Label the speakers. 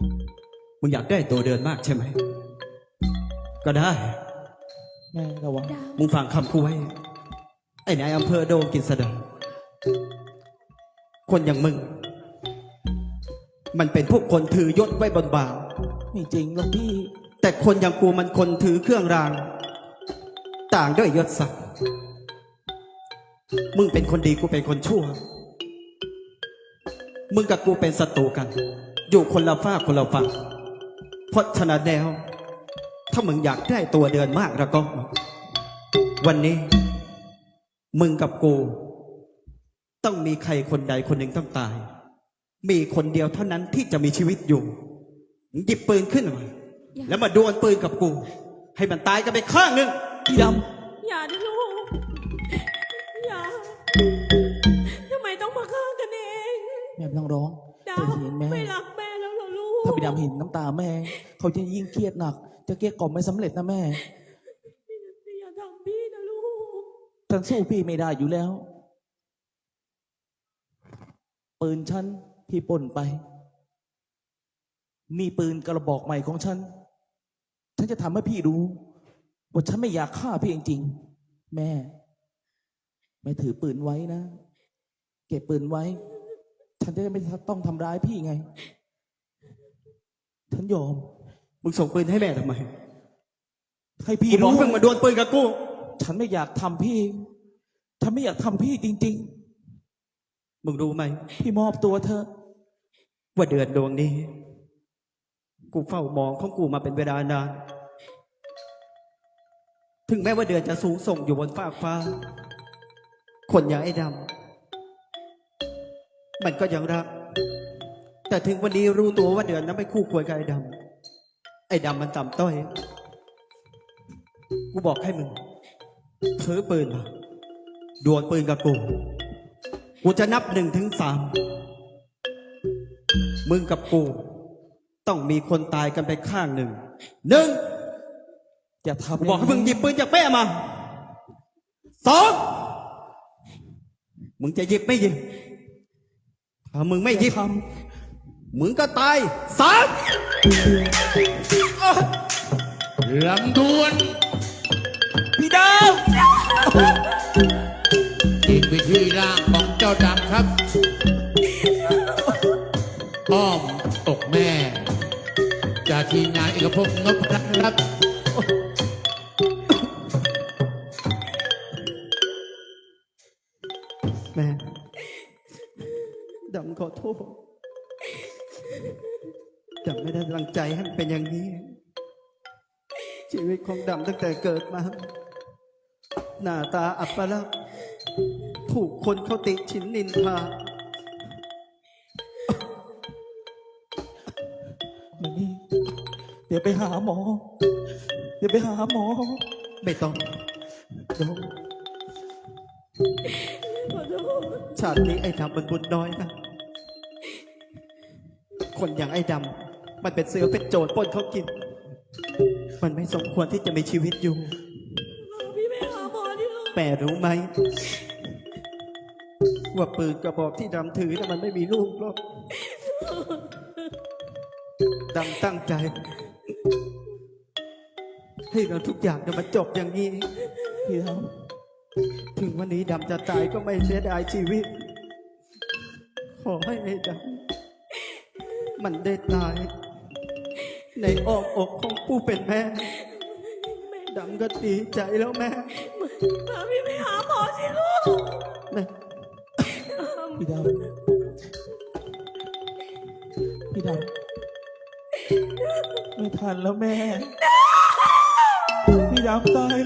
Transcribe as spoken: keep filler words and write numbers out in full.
Speaker 1: มึงอยากได้ตัวเดินมากใช่ไหมก็ได้
Speaker 2: แม่ระวัง
Speaker 1: มึงฟังคำกูไว้ไอ้นายอำเภอโดมกฤษดาคนอย่างมึงมันเป็นพวกคนถือยศไว้บนบ่า
Speaker 2: ไม่จริงหรอกพี่
Speaker 1: แต่คนอย่างกูมันคนถือเครื่องรางต่างด้วยยศศักดิ์มึงเป็นคนดีกูเป็นคนชั่วมึงกับกูเป็นศัตรูกันอยู่คนละฝ้าคนละฝั่งเพราะฉะนั้นแล้วถ้ามึงอยากได้ตัวเดินมากแล้วก็วันนี้มึงกับกูต้องมีใครคนใดคนหนึ่งต้องตายมีคนเดียวเท่านั้นที่จะมีชีวิตอยู่หยิบปืนขึ้นมาแล้วมาดวลปืนกับกูให้มันตายกันไปข้างหนึ่ง
Speaker 2: พี่ดำ
Speaker 3: อย่าดิลูกอย่าทำไมต้องมาฆ่ากันเอง
Speaker 2: แม่ไม่ต้องร้อง
Speaker 3: ดา
Speaker 2: เธอ
Speaker 3: ว
Speaker 2: เห็นแม่
Speaker 3: ไม่รักแม่แล้วเหรอลูก
Speaker 2: ถ้าพี่ดำเห็นน้ำตาแม่เขาจะยิ่งเครียดหนักจะเกลี้ยกล่อมไม่สำเร็จนะแม่
Speaker 3: อย่าทำพี่นะลูก
Speaker 2: ฉันสู้พี่ไม่ได้อยู่แล้วปืนฉันที่ป่นไปมีปืนกระบอกใหม่ของฉันฉันจะทำให้พี่รู้ว่าฉันไม่อยากฆ่าพี่จริงๆแม่แม่ถือปืนไว้นะเก็บปืนไว้ฉันจะไม่ต้องทำร้ายพี่ไงฉันยอม
Speaker 1: มึงส่งปืนให้แม่ทำไม
Speaker 2: ให้พี่
Speaker 1: รู้มึงมาดวลปืนกับกู
Speaker 2: ฉันไม่อยากทำพี่ฉันไม่อยากทำพี่จริง
Speaker 1: ๆมึงรู้ไหม
Speaker 2: พี่มอบตัวเธอ
Speaker 1: ว่าเดือนดวงนี้กูเฝ้ามองของกูมาเป็นเวลานานถึงแม้ว่าเดือนจะสูงส่งอยู่บนฟากฟ้าคนอย่างไอ้ดำมันก็ยังรักแต่ถึงวันนี้รู้ตัวว่าเดือนนั้นไม่คู่ควรกับไอ้ดำไอ้ดำมันต่ำต้อยกูบอกให้มึงถือปืนมาดวลปืนกับกูกูจะนับหนึ่งถึงสามมึงกับกูต้องมีคนตายกันไปข้างหนึ่งหนึ่ง
Speaker 2: อย่าทำ
Speaker 1: บอกให้มึงหยิบปืนจากแม่มาสองมึงจะหยิบไม่หยิบถ้ามึงไม่หยิบมึงก็ตายสาม
Speaker 4: ลำดวน
Speaker 2: พี่ดาว
Speaker 4: นี่คือชื่อร่างของเจ้าดำครับอ้อมอกแม่จากทีมงานเอกภพนพรัตน์ครับ
Speaker 1: แม่ดำขอโทษดำไม่ได้ตั้งใจให้มันเป็นอย่างนี้ชีวิตของดำตั้งแต่เกิดมาหน้าตาอัปลักษณ์ถูกคนเขาติฉินนินทา
Speaker 2: มานี่เดี๋ยวไปหาหมอเดี๋ยวไปหาหมอ
Speaker 1: ไม่ต้องเดี๋ยวชาตินี้ไอ้ดำมันบุญน้อยนะคนอย่างไอ้ดำมันเป็นเสือเป็นโจรปล้นเขากินมันไม่สมควรที่จะมีชีวิตอยู่
Speaker 3: พี่ไปหาหมอที่โรงพยาบาล
Speaker 1: แม่รู้ไหมว่าปืนกระบอกที่ดำถือน่ะมันไม่มีลูกหรอกดำตั้งใจให้เราทุกอย่างจะมาจบอย่างนี้พี่ดำถึงวันนี้ดำจะตายก็ไม่เสียดายชีวิตขอให้ไอ้ดำมันได้ตายในอ้อมอกของผู้เป็นแม่ดำก็ดีใจแล้วแม่
Speaker 3: พาพี่ไปหาหมอสิลูก
Speaker 1: แม่
Speaker 2: พี่ดำพี่ดำไม่ทันแล้วแม่พี่ดำตาย